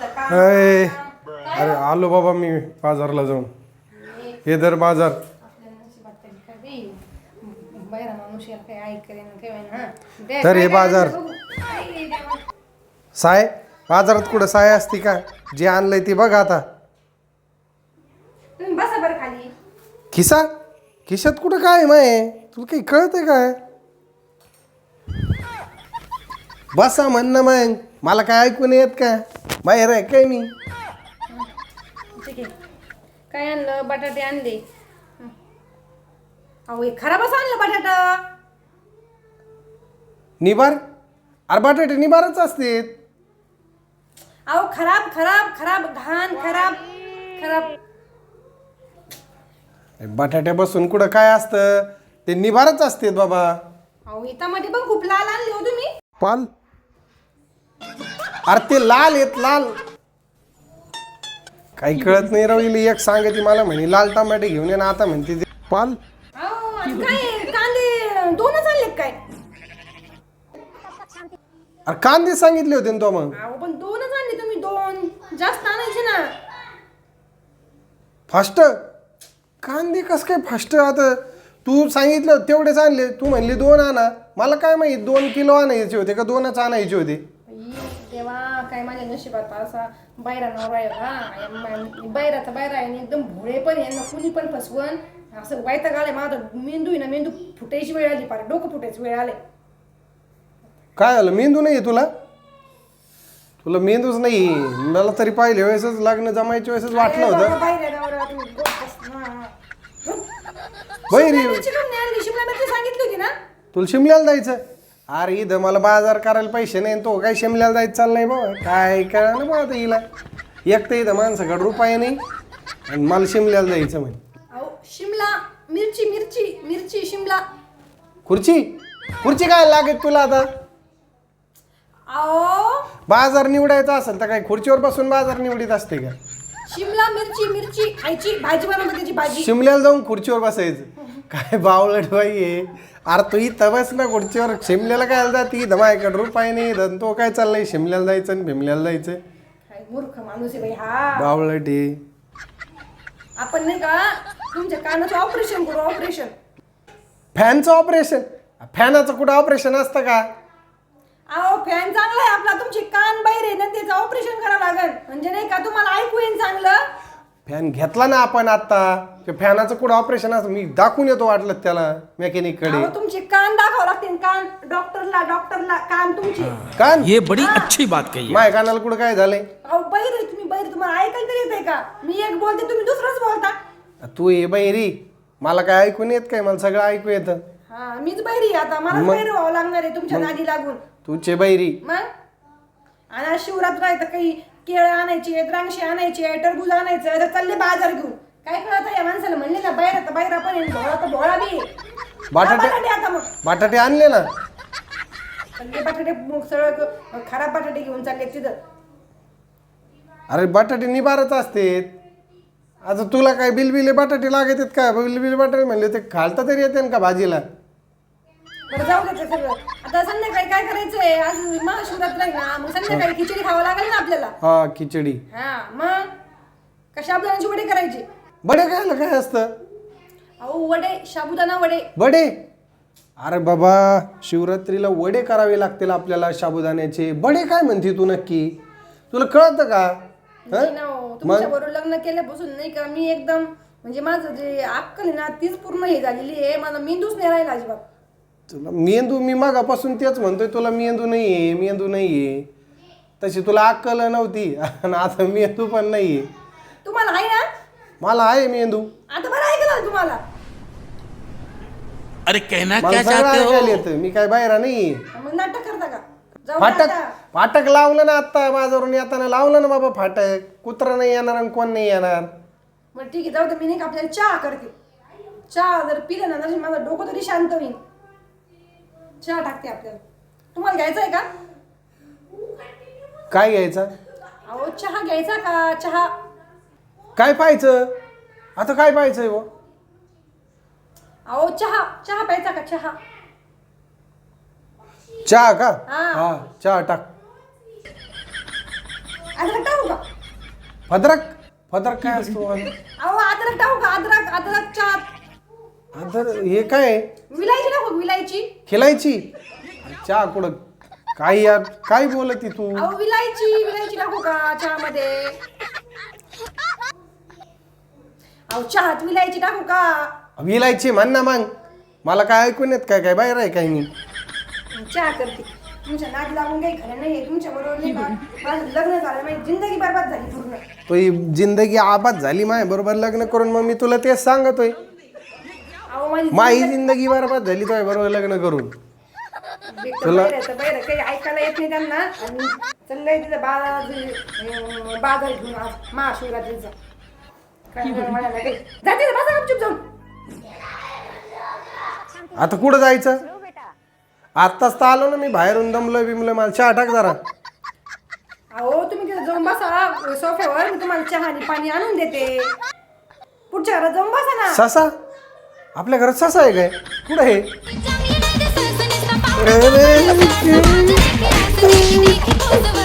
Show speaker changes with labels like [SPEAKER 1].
[SPEAKER 1] अरे आलो बाबा मी बाजारला जाऊन. हे दर बाजार तर हे बाजार साय बाजारात कुठं साय असती का? जे आणलंय ते बघ आता.
[SPEAKER 2] बसा बरं खाली.
[SPEAKER 1] खिशात कुठं काय माय? तुला काही कळतंय काय? बसा म्हणणं मग मला काय ऐकून येत का? बाहेर आहे काय मी?
[SPEAKER 2] ठीक आहे. काय आणलं? बटाटे आणले. अहो हे खराबच आणलं बटाटा.
[SPEAKER 1] निबार? अरे बटाटे निबारच असते.
[SPEAKER 2] अहो खराब खराब खराब घाण खराब खराब.
[SPEAKER 1] बटाट्यापासून कुठं काय असतं? ते निबारच असते बाबा.
[SPEAKER 2] अहो इथामध्ये पण खूप लाल आणले हो तुम्ही.
[SPEAKER 1] पाल अरे ते लाल येत लाल. काही कळत नाही राहिली. एक सांगते मला म्हणे लाल टमाटे घेऊन ये ना, आता म्हणते ते पाल.
[SPEAKER 2] अहो आणि काय कांदे दोनच आणले काय?
[SPEAKER 1] अरे कांदे सांगितले होते ना तो मग.
[SPEAKER 2] अहो पण दोनच आणले तुम्ही. दोन जास्त आणायचे ना.
[SPEAKER 1] फास्ट कांदे कस काय फास्ट? आता तू सांगितलं तेवढेच आणले. तू म्हणली दोन आणा. मला काय माहित 2 किलो आणायचे होते का 2च आणायचे होते?
[SPEAKER 2] तेव्हा काय माझ्या नशिबात असा बायरा नवरा आहे. बायराचा बायरा आहे आणि एकदम भोळे पण यांना कुणी पण फसवण असं वैताग आलाय. माझा मेंदू आहे ना, मेंदू फुटायची वेळ आली. पार डोकं फुटायची वेळ आले.
[SPEAKER 1] काय झालं? मेंदू नाही तुला? तुला मेंदूच नाही. मला तरी पाहिल्या वेळेसच लग्न जमायच्या वेळेसच वाटलं होतं. बहिरी
[SPEAKER 2] शिमला मिरची सांगितली होती ना
[SPEAKER 1] तुला शिमल्याला जायचं? अरे इथं मला बाजार करायला पैसे नाही. तो काय शिमल्याला जायचं चाललंय बाबा? काय कळा ना बा आता हिला. एक तर इथं माणसाकडे रुपये नाही आणि मला शिमल्याला जायचं म्हणे.
[SPEAKER 2] अहो शिमला मिरची मिरची मिरची शिमला.
[SPEAKER 1] खुर्ची काय लागेल तुला आता?
[SPEAKER 2] अहो
[SPEAKER 1] बाजार निवडायचा असेल तर काय खुर्चीवर बसून बाजार निवडीत असते का?
[SPEAKER 2] शिमला मिरची मिरची खायची भाजी बनवतो त्याची भाजी.
[SPEAKER 1] शिमल्याला जाऊन खुर्चीवर बसायचं? काय बावळट बाई आहे. अरे तू इथं बस ना खुर्चीवर. शिमल्याला काय जाती? इथं माझ्याकडे रुपये नाही. तो काय चाललंय शिमल्याला जायचं आणि भीमल्याला जायचं?
[SPEAKER 2] काय मूर्ख माणूस आहे बाई हा.
[SPEAKER 1] बावळट आहे.
[SPEAKER 2] आपण नाही का तुमच्या कानाचं ऑपरेशन करू. ऑपरेशन
[SPEAKER 1] फॅनचं ऑपरेशन? फॅनाचं कुठं ऑपरेशन असतं का?
[SPEAKER 2] अहो फॅन चांगला आहे आपला. तुमचे कान बाहेर आहे ना, त्याचं ऑपरेशन करावं लागेल. म्हणजे नाही का तुम्हाला ऐकू येईल चांगलं.
[SPEAKER 1] फॅन घेतला ना आपण आता. ते फॅनाचं कुठं ऑपरेशन असतं? मी दाखवून येतो वाटलं त्याला मेकॅनिक कडे.
[SPEAKER 2] अहो तुमचे कान दाखवावं लागतील. कान डॉक्टरला कान तुमचे.
[SPEAKER 1] कान?
[SPEAKER 3] ये बड़ी अच्छी बात कही है.
[SPEAKER 1] माझ्या कानाला कुठं काय झालंय?
[SPEAKER 2] अहो बहिर आहे तुम्ही. बहिर तुम्हाला ऐकायला तरी येते का? मी एक बोलते तुम्ही दुसरंच बोलता.
[SPEAKER 1] तू ये बहिरी. मला काय ऐकून येत काय? मला सगळं ऐकू येतं.
[SPEAKER 2] हा मीच बहिरी आता. मला बहिर व्हावं लागणार आहे तुमच्या नादी लागून.
[SPEAKER 1] तुझे बहिरी.
[SPEAKER 2] मग आणि शिवरात्र आहे तर काही केळ आणायचे, द्राक्षे आणायचे, टरबूज आणायचं. तर चालले बाजार घेऊन. काय कळत या माणसाला? म्हणले ना बाहेर आता बाहेर पण आहे, भोळा तर भोळा बी.
[SPEAKER 1] बटाटे
[SPEAKER 2] आता मग
[SPEAKER 1] बटाटे आणले ना?
[SPEAKER 2] सगळे बटाटे सगळं खराब बटाटे घेऊन चालले तिथं.
[SPEAKER 1] अरे बटाटे निबारच असते. आता तुला काय बिलबिले बटाटे लागत आहेत का? बिलबिले बटाटे म्हणले ते घालता तरी येते का भाजीला?
[SPEAKER 2] बरं जाऊ द्यायचं सगळं. आता संध्याकाळी काय करायचंय? आज महाशिवरात्र आहे ना, मग संध्याकाळी खिचडी खावं लागेल ना आपल्याला.
[SPEAKER 1] हा खिचडी.
[SPEAKER 2] हा मग कशा आपल्याला वडे करायचे?
[SPEAKER 1] बडे खायला काय असतं?
[SPEAKER 2] अहो वडे, साबुदाणा वडे.
[SPEAKER 1] बडे? अरे बाबा शिवरात्रीला वडे करावे लागतील आपल्याला साबुदाण्याचे. बडे काय म्हणते तू नक्की? तुला कळतं का?
[SPEAKER 2] तुमच्या बरोबर लग्न केल्यापासून नाही का मी एकदम म्हणजे माझं जे अक्कल आहे ना तीच पूर्ण हे झालेली आहे. मला मेंदूच नाही राहिला अजिबात.
[SPEAKER 1] तुला मेंदू? मी मागापासून तेच म्हणतोय तुला मेंदू नाहीये मेंदू नाहीये. तशी तुला अक्कल नव्हती आणि आता मेंदू पण नाहीये.
[SPEAKER 2] तुम्हाला आहे ना?
[SPEAKER 1] मला आहे मेंदू.
[SPEAKER 2] आता बरं ऐकलं तुम्हाला.
[SPEAKER 3] अरे कहना
[SPEAKER 1] मला
[SPEAKER 3] क्या
[SPEAKER 1] सगळं
[SPEAKER 3] चाहते
[SPEAKER 1] ऐकायला
[SPEAKER 3] हो?
[SPEAKER 1] येतं. मी काय बाहेर नाही.
[SPEAKER 2] मग नाटक करता का? जाऊ
[SPEAKER 1] फाटक
[SPEAKER 2] द्या आता.
[SPEAKER 1] फाटक लावलं ना आता बाजारून येताना लावलं ना बाबा फाटक. कुत्रा नाही येणार आणि कोण नाही येणार.
[SPEAKER 2] बरं ठीक आहे जाऊ दे. मी नाही का आपल्याला चहा करते. चहा जर पिलं ना तर माझं डोकं तरी शांत होईल. चहा टाकते आपल्याला. तुम्हाला घ्यायचा आहे का?
[SPEAKER 1] काय घ्यायचं?
[SPEAKER 2] अहो चहा घ्यायचा का? चहा
[SPEAKER 1] काय पाहायचं आता? काय पाहायचंय वो?
[SPEAKER 2] अहो चहा चहा प्यायचा का? चहा
[SPEAKER 1] चहा का?
[SPEAKER 2] हा.
[SPEAKER 1] हा चहा टाक.
[SPEAKER 2] आता टाकू का?
[SPEAKER 1] फदरक फदरक काय असतो
[SPEAKER 2] अहो अद्रक टाकू का अद्रक अद्रक चहा
[SPEAKER 1] अदर हे काय आहे?
[SPEAKER 2] विलायची टाकू विलायची
[SPEAKER 1] खिलायची चहा कुठं काय यार काय बोलती तू
[SPEAKER 2] अहो विलायची विलायची टाकू का चहामध्ये अहो चहात विलायची टाकू का
[SPEAKER 1] विलायची म्हण ना मग मला काय ऐकून येत काय काय बाहेर आहे काय मी
[SPEAKER 2] चहा करते तुमच्या नाद लागून काही खरं नाही तुमच्या बरोबर नाही का माझं लग्न झालं माझी जिंदगी बरबाद झाली पूर्ण
[SPEAKER 1] तो ही जिंदगी आबाद झाली माय बरोबर लग्न करून मग मी तुला तेच सांगतोय
[SPEAKER 2] अहो माझी
[SPEAKER 1] माही जिंदगी बरबाद झाली तो बरोबर लग्न करून
[SPEAKER 2] बाहेर काही ऐकायला येत नाही त्यांना आणि चाललंय तिथं बाजार घेऊन आज महाशिवरात्रीचा काय म्हणायला काही जाते बसा गपचूप जाऊन
[SPEAKER 1] आता कुठं जायचं आत्ताच तर आलो ना मी बाहेरून दमलोय बिमलोय मला चहा टाक जरा
[SPEAKER 2] अहो तुम्ही तिथं जाऊन बसा सोफ्यावर मी तुम्हाला चहा आणि पाणी आणून देते पुढच्या घरात जाऊन बसा ना
[SPEAKER 1] ससा आपल्या घरात ससा आहे काय कुठं आहे
[SPEAKER 3] चांगली नाही दिसत, नुसता पावडर.
[SPEAKER 1] अरे.
[SPEAKER 3] असं वाटतं की असं